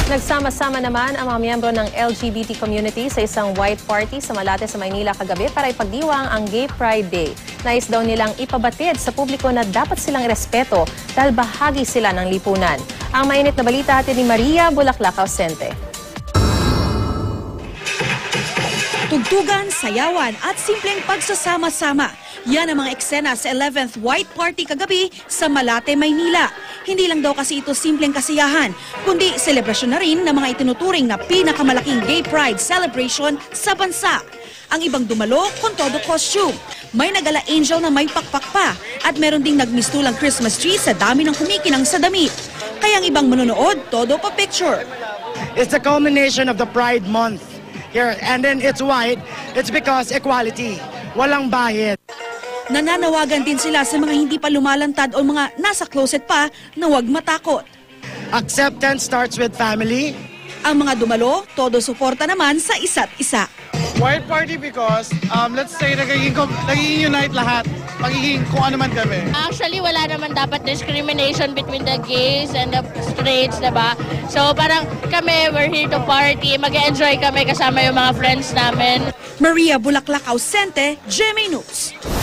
Nagsama-sama naman ang mga miyembro ng LGBT community sa isang white party sa Malate sa Maynila kagabi para ipagdiwang ang Gay Pride Day. Nais daw nilang ipabatid sa publiko na dapat silang respeto dahil bahagi sila ng lipunan. Ang mainit na balita hatid ni Maria Bulaklac Ausente. Tugtugan, sayawan at simpleng pagsasama-sama. Yan ang mga eksena sa 11th White Party kagabi sa Malate, Maynila. Hindi lang daw kasi ito simpleng kasiyahan, kundi selebrasyon na rin ng mga itinuturing na pinakamalaking gay pride celebration sa bansa. Ang ibang dumalo kung todo costume. May nagala angel na may pakpak pa at meron ding nagmistulang Christmas tree sa dami ng kumikinang sa damit. Kaya ang ibang manonood, todo pa picture. It's the culmination of the Pride Month here, and then it's white. It's because equality. Walang bahid. Nananawagan din sila sa mga hindi pa lumalantad o mga nasa closet pa na huwag matakot. Acceptance starts with family. Ang mga dumalo, todo suporta naman sa isa't isa. White party because, let's say, nagiging unite lahat. Magiging kung ano man kami. Actually, wala naman dapat discrimination between the gays and the straights, diba? So parang kami, we're here to party. Mag-enjoy kami kasama yung mga friends namin. Maria Bulaklac Ausente, GMA News.